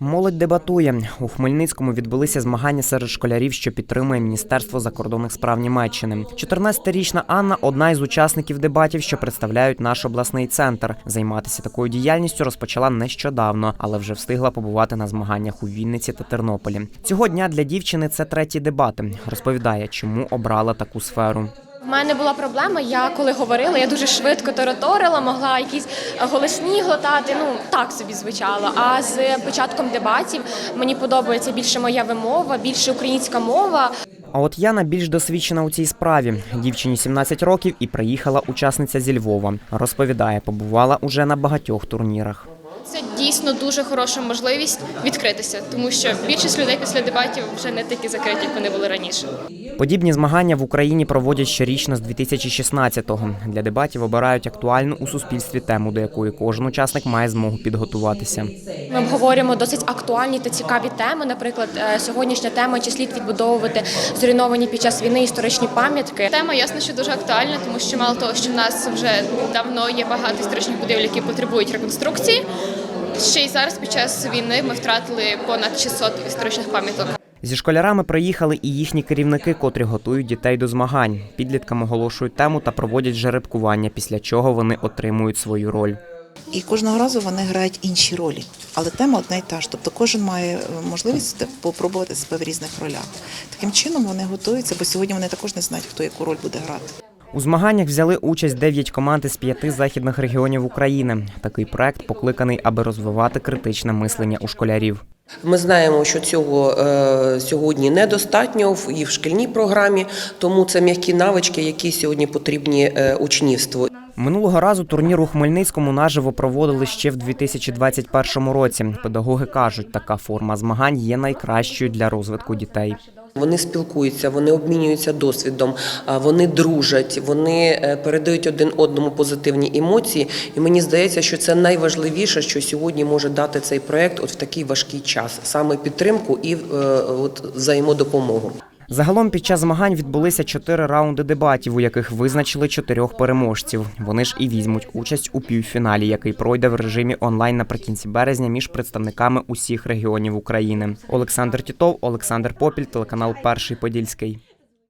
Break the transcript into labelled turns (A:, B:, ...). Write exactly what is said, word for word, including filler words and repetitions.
A: Молодь дебатує. У Хмельницькому відбулися змагання серед школярів, що підтримує Міністерство закордонних справ Німеччини. чотирнадцятирічна Анна – одна із учасників дебатів, що представляють наш обласний центр. Займатися такою діяльністю розпочала нещодавно, але вже встигла побувати на змаганнях у Вінниці та Тернополі. Цього дня для дівчини це треті дебати. Розповідає, чому обрала таку сферу.
B: У мене була проблема, я коли говорила, я дуже швидко тараторила, могла якісь голосні глотати, ну так собі звучало. А з початком дебатів мені подобається більше моя вимова, більше українська мова.
A: А от Яна більш досвідчена у цій справі. Дівчині сімнадцять років і приїхала учасниця зі Львова. Розповідає, побувала уже на багатьох турнірах.
C: Це дійсно дуже хороша можливість відкритися, тому що більшість людей після дебатів вже не такі закриті, як вони були раніше.
A: Подібні змагання в Україні проводять щорічно з дві тисячі шістнадцятого. Для дебатів обирають актуальну у суспільстві тему, до якої кожен учасник має змогу підготуватися.
B: Ми обговорюємо досить актуальні та цікаві теми. Наприклад, сьогоднішня тема – чи слід відбудовувати зруйновані під час війни історичні пам'ятки.
C: Тема, ясно, що дуже актуальна, тому що мало того, що в нас вже давно є багато історичних будівель, які потребують реконструкції. Ще й зараз під час війни ми втратили понад шістсот історичних пам'яток.
A: Зі школярами приїхали і їхні керівники, котрі готують дітей до змагань. Підліткам оголошують тему та проводять жеребкування, після чого вони отримують свою роль.
D: І кожного разу вони грають інші ролі, але тема одна й та ж. Тобто кожен має можливість попробувати себе в різних ролях. Таким чином вони готуються, бо сьогодні вони також не знають, хто яку роль буде грати.
A: У змаганнях взяли участь дев'ять команд із п'яти західних регіонів України. Такий проект покликаний, аби розвивати критичне мислення у школярів.
E: Ми знаємо, що цього е, сьогодні недостатньо в, і в шкільній програмі, тому це м'які навички, які сьогодні потрібні е, учнівству.
A: Минулого разу турнір у Хмельницькому наживо проводили ще в дві тисячі двадцять першому році. Педагоги кажуть, така форма змагань є найкращою для розвитку дітей.
E: Вони спілкуються, вони обмінюються досвідом, вони дружать, вони передають один одному позитивні емоції. І мені здається, що це найважливіше, що сьогодні може дати цей проєкт от в такий важкий час. Саме підтримку і от, взаємодопомогу.
A: Загалом під час змагань відбулися чотири раунди дебатів, у яких визначили чотирьох переможців. Вони ж і візьмуть участь у півфіналі, який пройде в режимі онлайн наприкінці березня між представниками усіх регіонів України. Олександр Тітов, Олександр Попіль, телеканал «Перший Подільський».